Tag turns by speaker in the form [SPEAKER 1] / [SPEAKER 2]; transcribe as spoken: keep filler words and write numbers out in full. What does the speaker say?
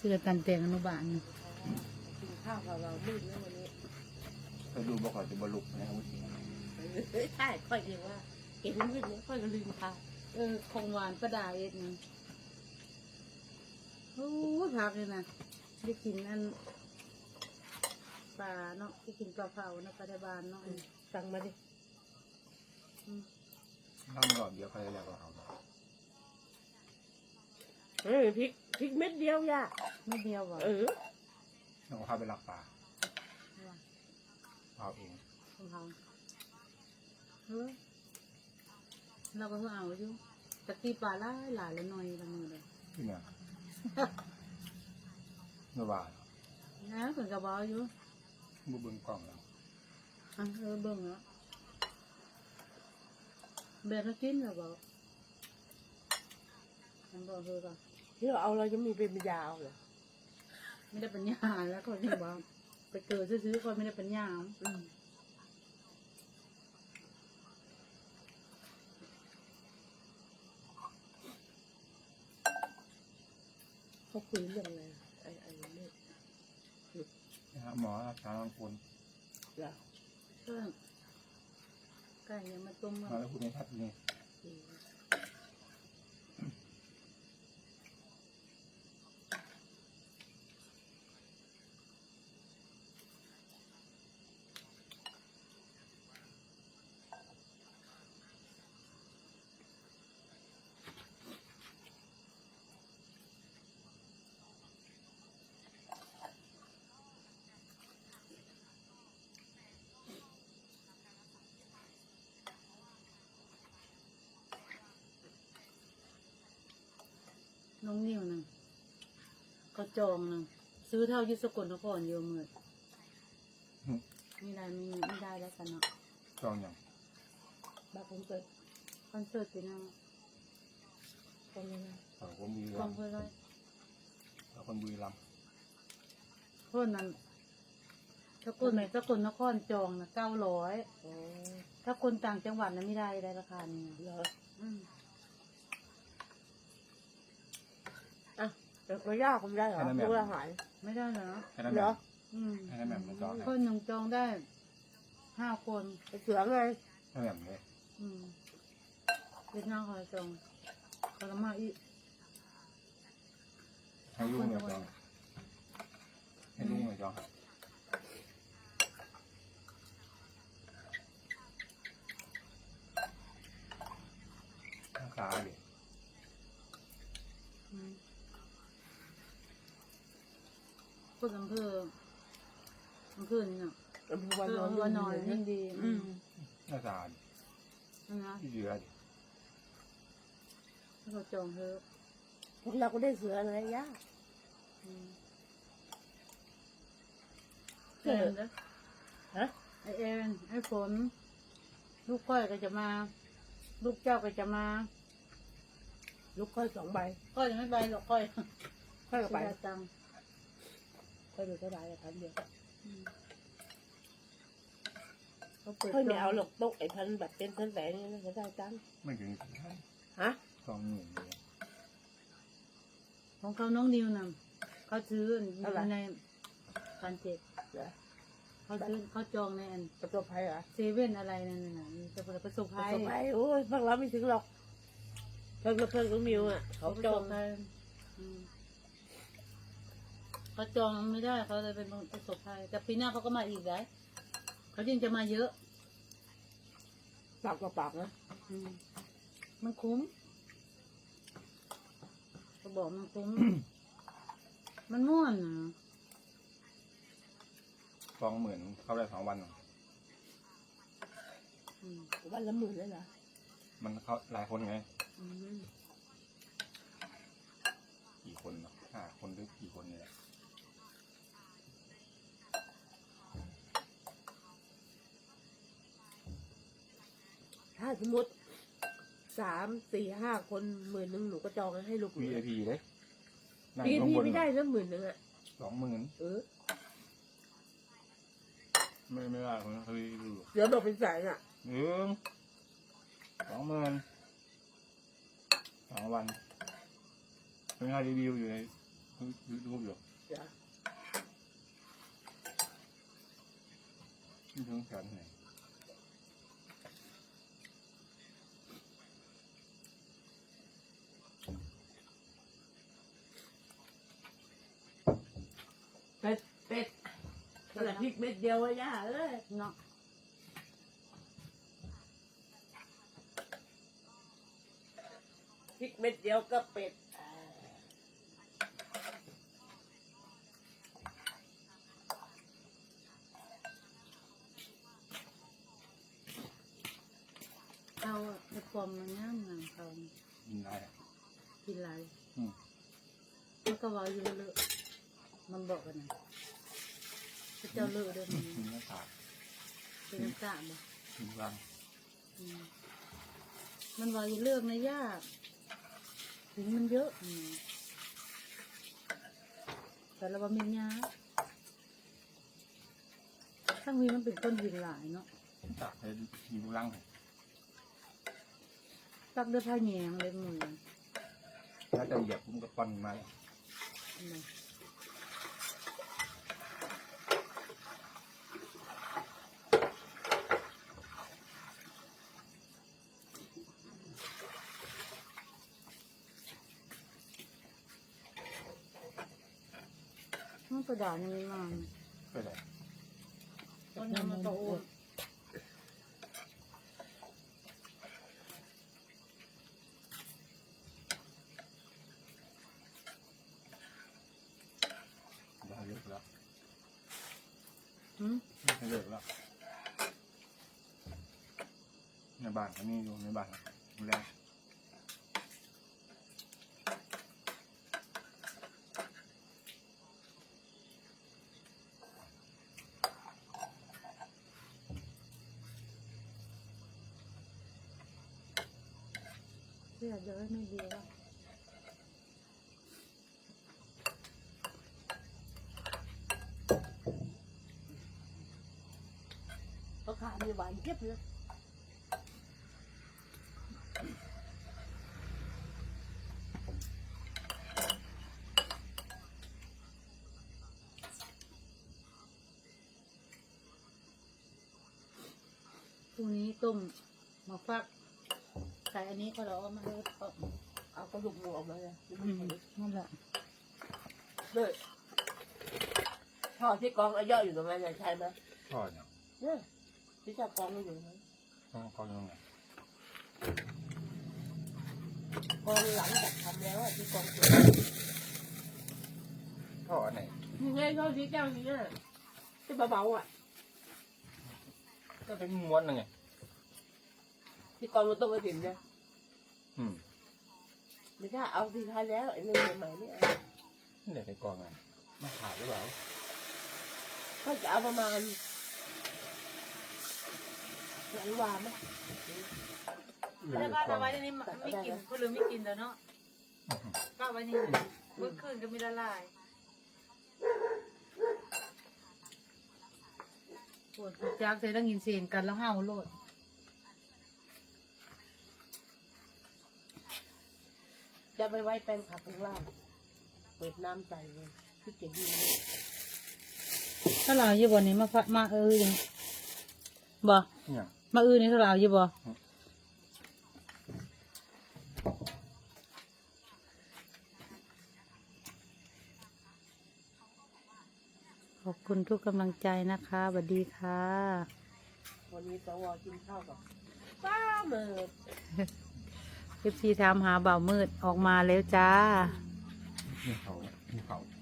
[SPEAKER 1] ชื่อกันแต่งอนุบาล
[SPEAKER 2] กินข้าวกับเรามืดแล้ววันนี้
[SPEAKER 3] เคยดูบอกว่าจะบรรลุนะครับจริง
[SPEAKER 2] เฮ้ยใช่ค่อยเรียกว่าเห็นมืดเนี่ยค่อยก็ลืมข้าว
[SPEAKER 1] เออของหวานประดาเอ็ดนี่โอ้พักเลยนะได้กินอันปลาเนาะได้กินปลาเผานะปลาได้บานเนาะ
[SPEAKER 2] สั่งมาดิ
[SPEAKER 3] ทำหลอดเดียวใครอยากเอา
[SPEAKER 2] เฮ้ยพริกพริกเม็ดเดียวย่า
[SPEAKER 1] ไม่เดียวบ่
[SPEAKER 2] เออ
[SPEAKER 3] เราพาไปรักปลาเอาเอง
[SPEAKER 1] ของเขาเฮ้ยเราก็เพิ่งเอาอยู่ตะกี้ปลาหลายหลายแล้วหน่อยละมือเลย
[SPEAKER 3] ที่เนี่ยเมื่อวาน
[SPEAKER 1] นะเพิ่นกระบอกอยู่
[SPEAKER 3] มือเบิ้งกล่องแล้ว
[SPEAKER 1] อ่ะเออเบิ่งแล้วแบกก็กินแล้วบอกมันบอกเธอก่อน
[SPEAKER 2] ที่เราเอาเราจะมีเป็นยาวเหรอ
[SPEAKER 1] ไม่ได้ปัญญาแล้วคนที่บอกไปเกิดซื้อๆคนไม่ได้ปัญญา
[SPEAKER 2] อืมเขาคุยเรื่องอะไรไอ้ไอ้เม็ด
[SPEAKER 3] นะฮะหมอชาลังคน
[SPEAKER 2] เหรอ
[SPEAKER 1] เพื่อนไก่ยังมาต้ม
[SPEAKER 3] มา
[SPEAKER 1] มา
[SPEAKER 3] แล้วพูดในทัดนี่
[SPEAKER 2] อืม
[SPEAKER 1] น้องนิวนึงก็จองนึงซื้อเท่ายุสกลนครเยอะเมื่อไม่ได้ไม่ไม่ได้แล้วกันเนาะ
[SPEAKER 3] จองอย่าง
[SPEAKER 2] แบบผมเกิด
[SPEAKER 1] คอนเสิร์ตปีหน้า
[SPEAKER 2] ตรงนี้นะ
[SPEAKER 3] เขาคนบุรี
[SPEAKER 1] ก
[SPEAKER 3] รั
[SPEAKER 1] อง
[SPEAKER 3] มย์
[SPEAKER 1] เพื่อไร
[SPEAKER 3] เขาคนบุรีรัมย์
[SPEAKER 1] เพื่อนนั้นถ้าคนไหนถ้าคนนครจองนะเก้าร้อย
[SPEAKER 2] อ๋อ
[SPEAKER 1] ถ้าคนต่างจังหวัดนะไม่ได้ได้ราคานี้
[SPEAKER 2] เหรอ
[SPEAKER 1] อืม
[SPEAKER 2] อ่ะแต่ก็ยากผมได้เหรอรู้อาหาร
[SPEAKER 1] ไม่ได้เหรอ
[SPEAKER 3] แค่นั้น
[SPEAKER 2] เห
[SPEAKER 3] แบ
[SPEAKER 2] รอ
[SPEAKER 3] บ
[SPEAKER 1] อืม
[SPEAKER 3] แค่นั้นแบบมันจอง
[SPEAKER 1] คนหนึ่งจองได้ห้าคน
[SPEAKER 2] ไปเสือไง
[SPEAKER 3] แค่แบบเลย
[SPEAKER 1] อืมเวียดนามเขาจองเขาละมาอีก
[SPEAKER 3] ให้ยุ่งเลยจองให้ยุ่งเลยจองข้างขาดิ
[SPEAKER 1] อืมคนอำเภออำเภอนี่เนาะ
[SPEAKER 2] อำเภอ
[SPEAKER 1] เอ
[SPEAKER 2] วัน
[SPEAKER 1] อน
[SPEAKER 2] อน
[SPEAKER 1] วันนอนยิ่งดี
[SPEAKER 2] อืม
[SPEAKER 3] หน้าตาดิ
[SPEAKER 1] อืมนะ
[SPEAKER 3] ที่เหลือดิ
[SPEAKER 1] ถ้าเขาจองเธอะ
[SPEAKER 2] พวกเราก็ได้เสืออะไรยาก
[SPEAKER 1] อืม
[SPEAKER 2] เสื
[SPEAKER 1] เอ็
[SPEAKER 2] อน
[SPEAKER 1] นะ
[SPEAKER 2] ฮะ
[SPEAKER 1] ไอเอ็นไอฝนลูกก้อยก็จะมา ลูกเจ้าก็จะมา
[SPEAKER 2] ลูกค่อยสองใบ
[SPEAKER 1] ก้อยยังไม่ไปหรอกก้อย
[SPEAKER 2] ค่อยกับไป
[SPEAKER 1] เสียตังค์
[SPEAKER 2] ค่อยดูเท่าไหร่พันเดียว
[SPEAKER 1] อืมเขาเปิด
[SPEAKER 2] ค่อยไม่เอาหรอกโต๊ะไอ้พันแบบเป็นพันแสนนี่จะได้จัง
[SPEAKER 3] ไม่ถึงสี่พัน
[SPEAKER 2] ฮะ
[SPEAKER 3] สองหมื่นเลย
[SPEAKER 1] ของเขาน้องนิวนำเขาซื้ออยู่ในพันเจ็ด
[SPEAKER 2] เหรอ
[SPEAKER 1] เขาซื้อเขาจองในอัน
[SPEAKER 2] ประสบภัยเหรอ
[SPEAKER 1] เซเว่นอะไรนั่นน่ะมีจะประสบ
[SPEAKER 2] ประ
[SPEAKER 1] ภัย
[SPEAKER 2] สบภัยโอ้ยพวกเราไม่ถึงหรอกเพิ่งกับเพิ่งกับมิวอ่ะเขาจอง
[SPEAKER 1] ประสบภัยอืมเขาจองไม่ได้เขาเลยเป็นประสบภัยแต่ปีหน้าเขาก็มาอีกได้เขายิ่งจะมาเยอะ
[SPEAKER 2] ปากกับปากนะ
[SPEAKER 1] อืมมันคุ้มเขาบอกมันคุ้ม มันม่วนนะ
[SPEAKER 3] สองหมื่นเข้าได้สองวัน
[SPEAKER 1] อืม
[SPEAKER 2] วันละหมื่นเลยเหรอ
[SPEAKER 3] มันเขาหลายคนไง
[SPEAKER 1] อืม
[SPEAKER 3] กี่คนเนาะห้าคนหรือกี่คนเนี่ย
[SPEAKER 2] ถ้าสมมติสามสี่ห้าคนหมื่นหนึ่งหนูก็จองให้ลูกหนู
[SPEAKER 3] วี ไอ พีเลยนั่ง
[SPEAKER 2] พี
[SPEAKER 3] ข้าง
[SPEAKER 2] พี
[SPEAKER 3] บน
[SPEAKER 2] ไม่ได้แล้วหมื่นหนึ่งอ่ะ
[SPEAKER 3] สองหมื่น
[SPEAKER 2] เออ
[SPEAKER 3] ไม่ไม่ได้คนเคยดู
[SPEAKER 2] เดี๋ยวบอกเป็นแสนอ่ะ
[SPEAKER 3] หนึ่งสองหมื่นสองวันเป็นค่ารีวิวอยู่ในรู้อยู่
[SPEAKER 2] จ้ะ
[SPEAKER 3] ที่ทั้งแขนไหน
[SPEAKER 2] เป็ดเป็ดขนาดพริกเม็ดเดียวอะย่าเอ้ย
[SPEAKER 1] เนาะ
[SPEAKER 2] พริกเม็ดเดียวก็เป็ด
[SPEAKER 1] เอาไอ้ความมันงามงามเขา
[SPEAKER 3] ยินได้
[SPEAKER 1] กินไร
[SPEAKER 3] อืม
[SPEAKER 1] มันก็เว่าอยู่เลอะมันบอกกันนะพระเจ้าเลอะเด้วยมัน
[SPEAKER 3] ยินหน้าตา
[SPEAKER 1] เป็นน้ำตาบ่
[SPEAKER 3] ยินรัง
[SPEAKER 1] อืมมันเว่าอยู่เรื่องนะย่าถึงมันเยอะอืมแต่เราบ่มียาทั้งวีมันเป็นคนยินหลายเนาะ
[SPEAKER 3] ตักให้ยินรัง
[SPEAKER 1] ตักด้วยผ้าแยงเลยมือ
[SPEAKER 3] ถ้าจะเหยียบผมก็ปั้นมาแล้ว
[SPEAKER 1] นะมันกระดาษนี้มา
[SPEAKER 3] ก็ได้
[SPEAKER 1] ต้นน้ำมันโต
[SPEAKER 3] ได้เลิกแล้ว
[SPEAKER 1] หืม
[SPEAKER 3] ได้เลิกแล้วในบ้านเขามีอยู่ในบ้านดูแล
[SPEAKER 1] เสียเยอะไม่ดีแล้ว
[SPEAKER 2] เขาขามีหวานเทียบเลย
[SPEAKER 1] พรุ่งนี้ต้มมาฟักใส่อันนี้ก็เราเอามาเลยเอา
[SPEAKER 2] เอากระดูกหมูออกมาเลย
[SPEAKER 1] อืมนั่นแหละ
[SPEAKER 2] เลยท่อที่กองอาย่ออยู่ตรงนั้นใช่ไหม
[SPEAKER 3] พ่อเนี่ย
[SPEAKER 2] เนี่ยที่จะกองอยู่ตรงนั้น
[SPEAKER 3] ต้องเขายังไง
[SPEAKER 2] กองหลังจากทำแล้วอะที่กองเสร็จ
[SPEAKER 3] พ่ออันไหน
[SPEAKER 2] ยังไงท่อที่แก้วนี้อะที่เบาๆอ่ะ
[SPEAKER 3] ก็เป็นม้วนนึงไง
[SPEAKER 2] ที่กองมันต้องไปถิ่นเนี่ย
[SPEAKER 3] อืม
[SPEAKER 2] ไม่ใช่เอาที่ท้ายแล้วไอ้เรื่องใหม่ๆนี่
[SPEAKER 3] นี่ไหนในกองไงมาขาดหรือเปล่า
[SPEAKER 2] ก็จะเอาประมาณหลังวานไหม
[SPEAKER 1] แล้วก็เอาไว้ในนี้ไม่กินคนลืมไม่กินแล้วเนาะก็เอาไว้นี่เลยเมื่อคืนก็ไม่ละลายปวดจากเสร็จแล้วกินเสียงกันแล้วห้าวโลด
[SPEAKER 2] จะไปไว้แป้งขับข้างล่างเปิดน้ำใส่เลยที่เก็บดีเลย
[SPEAKER 1] ถ้าเราอยู่บ่นี้มาฟักมาเออยังบ่
[SPEAKER 3] เนี่ย
[SPEAKER 1] มาเออนี่ถ้าเราอยู่บ่ขอบคุณทุกกำลังใจนะคะสวัสดีค่ะ
[SPEAKER 2] วันนี้สวกินข้าวกับป้าเมิด
[SPEAKER 1] เอฟซีถามหาเบามืดออกมาแล้วจ้า
[SPEAKER 3] นี่เขานี่เขา